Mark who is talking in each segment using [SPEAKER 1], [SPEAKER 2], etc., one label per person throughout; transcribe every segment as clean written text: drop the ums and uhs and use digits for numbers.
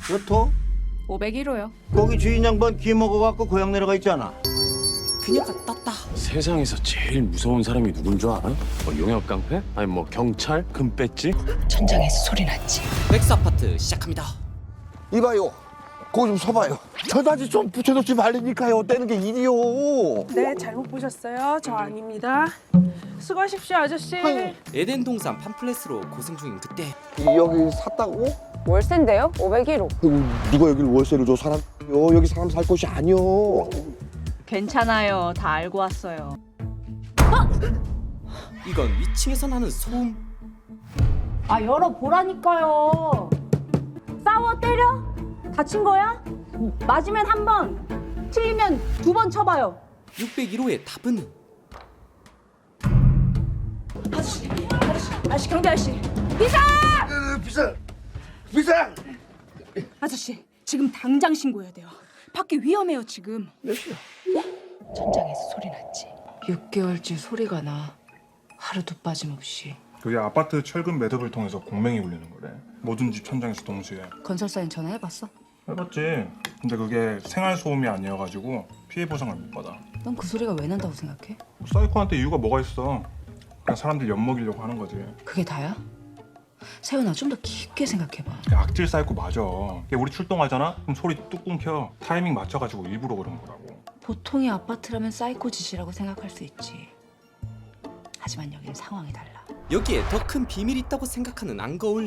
[SPEAKER 1] 몇 호?
[SPEAKER 2] 501호요.
[SPEAKER 1] 거기 주인 양반 귀 먹어갖고 고향 내려가 있잖아.
[SPEAKER 3] 그녀가 떴다.
[SPEAKER 4] 세상에서 제일 무서운 사람이 누군 줄 알아? 뭐 용역 깡패? 아니 뭐 경찰? 금배지?
[SPEAKER 5] 천장에서 소리 났지.
[SPEAKER 3] 백수 아파트 시작합니다.
[SPEAKER 6] 이봐요. 거기 좀 서봐요. 저다지 좀 붙여놓지 말라니까요. 떼는 게 일이요.
[SPEAKER 7] 네, 잘못 보셨어요. 저 아닙니다. 수고하십시오, 아저씨.
[SPEAKER 3] 에덴 동산 팜플렛으로 고생 중인 그때
[SPEAKER 6] 여기 샀다고?
[SPEAKER 8] 월세인데요? 501호.
[SPEAKER 6] 누가 여길 월세를 줘? 사람 여기 사람 살 곳이 아니요.
[SPEAKER 2] 괜찮아요. 다 알고 왔어요.
[SPEAKER 3] 이건 위층에서 나는 소음.
[SPEAKER 2] 아, 열어보라니까요. 싸워 때려? 다친 거야? 맞으면 한 번, 틀리면 2번 쳐봐요.
[SPEAKER 3] 601호의 답은
[SPEAKER 2] 아저씨, 경비 아저씨.
[SPEAKER 6] 비상!
[SPEAKER 2] 아저씨, 지금 당장 신고해야 돼요. 밖에 위험해요, 지금.
[SPEAKER 5] 천장에서 소리 났지. 6개월째 소리가 나. 하루도 빠짐없이.
[SPEAKER 9] 그게 아파트 철근 매듭을 통해서 공명이 울리는 거래. 모든 집 천장에서 동시에.
[SPEAKER 2] 건설사인 전화해봤어?
[SPEAKER 9] 해봤지. 근데 그게 생활 소음이 아니어가지고 피해 보상을 못 받아.
[SPEAKER 2] 넌 그 소리가 왜 난다고 생각해?
[SPEAKER 9] 사이코한테 이유가 뭐가 있어? 그냥 사람들 엿먹이려고 하는 거지.
[SPEAKER 5] 그게 다야? 세훈아, 좀 더 깊게 생각해봐.
[SPEAKER 9] 그냥 악질 사이코 맞아. 걔 우리 출동하잖아? 그럼 소리 뚝 끊겨. 타이밍 맞춰가지고 일부러 그런 거라고.
[SPEAKER 5] 보통의 아파트라면 사이코 짓이라고 생각할 수 있지. 하지만 여기는 상황이 달라.
[SPEAKER 3] 여기에 더 큰 비밀이 있다고 생각하는 안거울.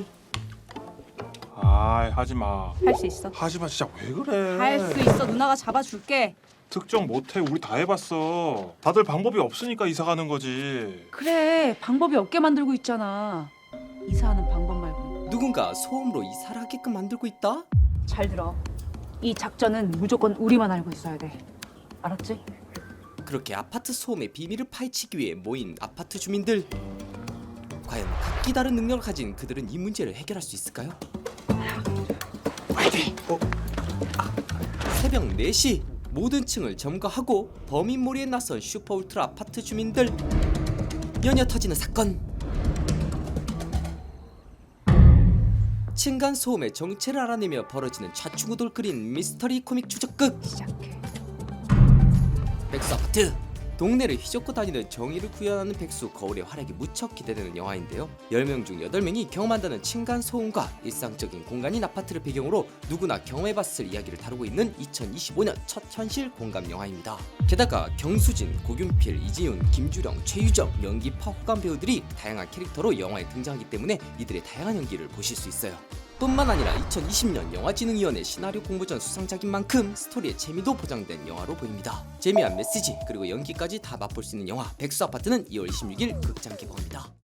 [SPEAKER 9] 아이 하지마.
[SPEAKER 2] 할 수 있어.
[SPEAKER 9] 하지마 진짜 왜 그래.
[SPEAKER 2] 할 수 있어. 누나가 잡아줄게.
[SPEAKER 9] 특정 못해. 우리 다 해봤어. 다들 방법이 없으니까 이사 가는 거지.
[SPEAKER 2] 그래, 방법이 없게 만들고 있잖아. 이사하는 방법 말고.
[SPEAKER 3] 누군가 소음으로 이사를 하게끔 만들고 있다?
[SPEAKER 2] 잘 들어. 이 작전은 무조건 우리만 알고 있어야 돼. 알았지?
[SPEAKER 3] 그렇게 아파트 소음의 비밀을 파헤치기 위해 모인 아파트 주민들. 과연 각기 다른 능력을 가진 그들은 이 문제를 해결할 수 있을까요? 새벽 4시 모든 층을 점거하고 범인몰이에 나선 슈퍼울트라 아파트 주민들. 연이어 터지는 사건. 층간 소음의 정체를 알아내며 벌어지는 좌충우돌 그린 미스터리 코믹 추적극.
[SPEAKER 2] 시작해.
[SPEAKER 3] 백수 아파트. 동네를 휘젓고 다니는 정의를 구현하는 백수 거울의 활약이 무척 기대되는 영화인데요. 10명 중 8명이 경험한다는 층간 소음과 일상적인 공간인 아파트를 배경으로 누구나 경험해봤을 이야기를 다루고 있는 2025년 첫 현실 공감 영화입니다. 게다가 경수진, 고균필, 이지훈, 김주령, 최유정, 연기파 호감 배우들이 다양한 캐릭터로 영화에 등장하기 때문에 이들의 다양한 연기를 보실 수 있어요. 뿐만 아니라 2020년 영화진흥위원회 시나리오 공모전 수상작인 만큼 스토리의 재미도 보장된 영화로 보입니다. 재미한 메시지 그리고 연기까지 다 맛볼 수 있는 영화 백수 아파트는 2월 26일 극장 개봉합니다.